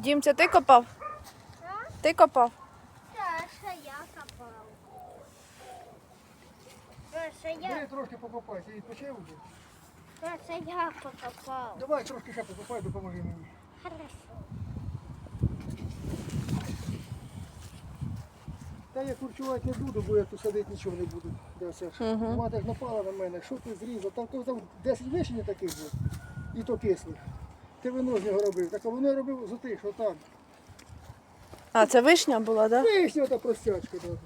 Дім, це ти копав? Ти копав? Так, це я копав. Бери трошки покопай, ти відпочив вже? Це я покопав. Давай трошки ще покопай, допоможи мені. Хорошо. Та я курчувати не буду, бо я тут садити нічого не буду. Да, Саша. Мати ж напала на мене, що ти зрізав? Там 10 вишень таких було, і то кислих. Ти вино з нього робив, так а воно я робив з отих, що там. А, це вишня була, так? Да? Вишня та простячка. Да.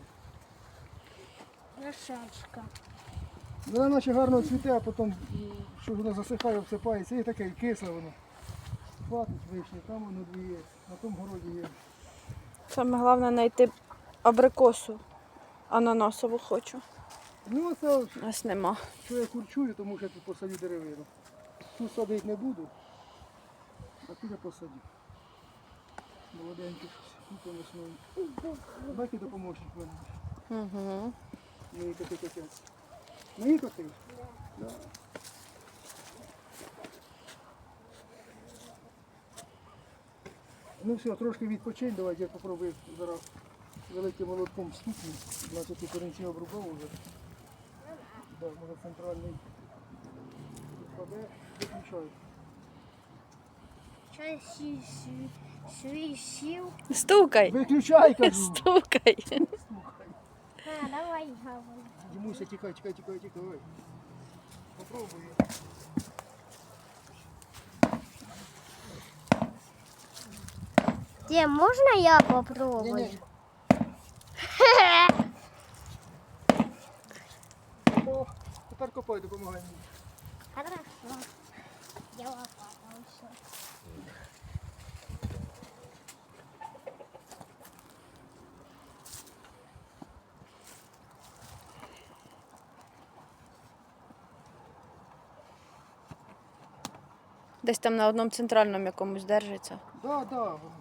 Лошачка. Вона наче гарно цвіте, а потім, що воно засихає, всипається, і таке, і кисле воно. Хватить вишні, там воно дві є, на тому городі є. Саме головне знайти абрикосу. Ананасову хочу. Ну це, У нас нема. що я курчую, тому що я тут посадю деревину. Тут садити не буду, а тут я посадю. Молоденький щось, тут весною. Баки допоможуть мене. Угу. Мої коти котять. Мої коти? Да. Ну все, трошки відпочинь, давайте я попробую зараз великим молотком стукну. Значить, тут корінці обрубав вже. Да, може центральний підпаде, виключаю. Щось свій сів. Стукай. Виключай, кажу! Стукай. Слухай. Давай, говори. Дімуся, тікай. Попробуй. Де, можна я попробую? Ні-ні. О, тепер копай, допомагай мені. Хорошо. Я лопатался. Десь там на одному центральному якомусь держиться. Да, воно ж.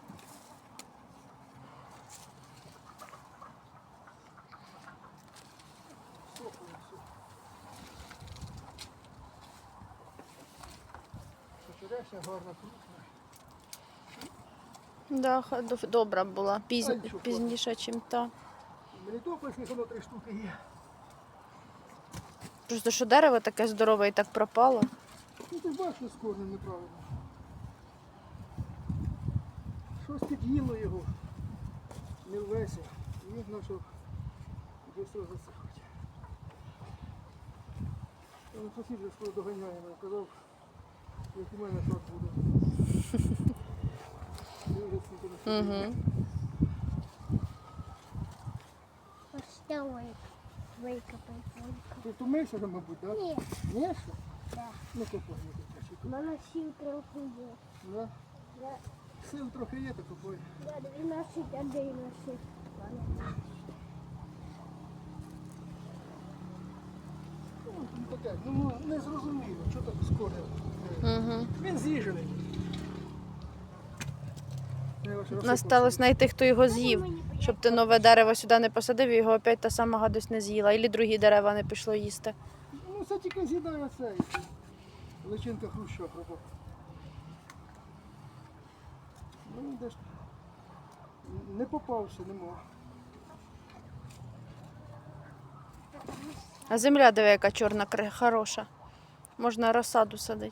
Черешня гарна, крупна. Да, добра була. нічого, Пізніше, ніж та. Мелітопольських воно 3 штуки є. Просто що дерево таке здорове і так пропало. Ну ти ж бачиш, що з корнем неправильно. Щось під'їло його. Не ввеся. І він почав швидко засихати. Сусід вже скоро доганяє мене, казав, як у мене сад буде. Ти вже скільки не сидиш. Давай, викопай. Ти втомився вже, мабуть, так? Ні. Ні, що? Да. Ну копай, не копай. У мене сил трохи є. Да? Да. Сил трохи є, так копай. Да, 12, 11. Ну, таке, ну не зрозуміло, що так з корнем. Угу. Він з'їжений. Насталось знайти, хто його з'їв. Щоб ти нове дерево сюди не посадив, і його опять та сама гадость не з'їла. Ілі другі дерева не пішло їсти. Ну це тільки з'їдає цей. Личинка хруща пропав. Ну де ж не попався, нема. А земля, диви, яка чорна, хороша. Можна розсаду садити.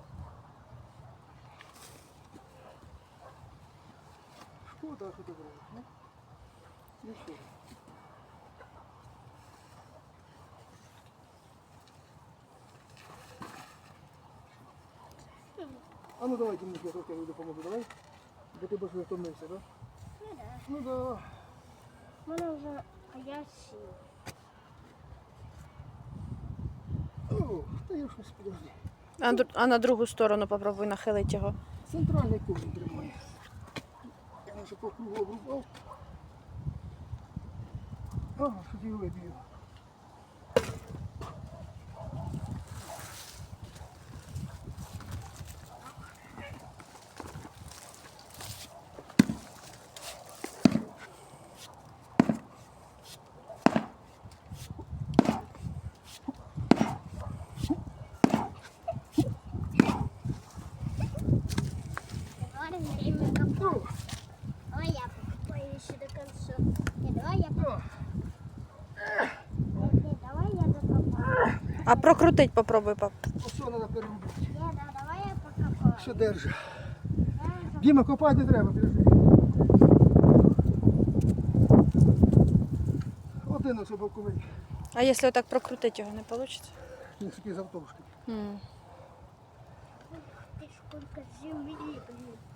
Шкода, що ти брав, ну? Нічого. А ну давай, Дімусь, я трохи допоможу, давай. Бо ти більше втомився, так? Ну да. У мене вже я сів. О, та я щось подожди. А на другу сторону попробуй нахилити його. Центральний корінь тримає. Я вже по кругу обрубав. Ага, що ти виб'ю. Говори, время копати. Ну, Давай я покопаю еще до конца. Не, давай я покопаю. Не, давай я докопаю. А прокрутить попробуй, пап. ось що треба переробити. Не, да, давай я покопаю. Що держи. Я Діма, копати не треба, держи. Один ось боковий. А якщо отак прокрутити його, не вийде? Він такий завтовшки. Ты сколько земли, блин.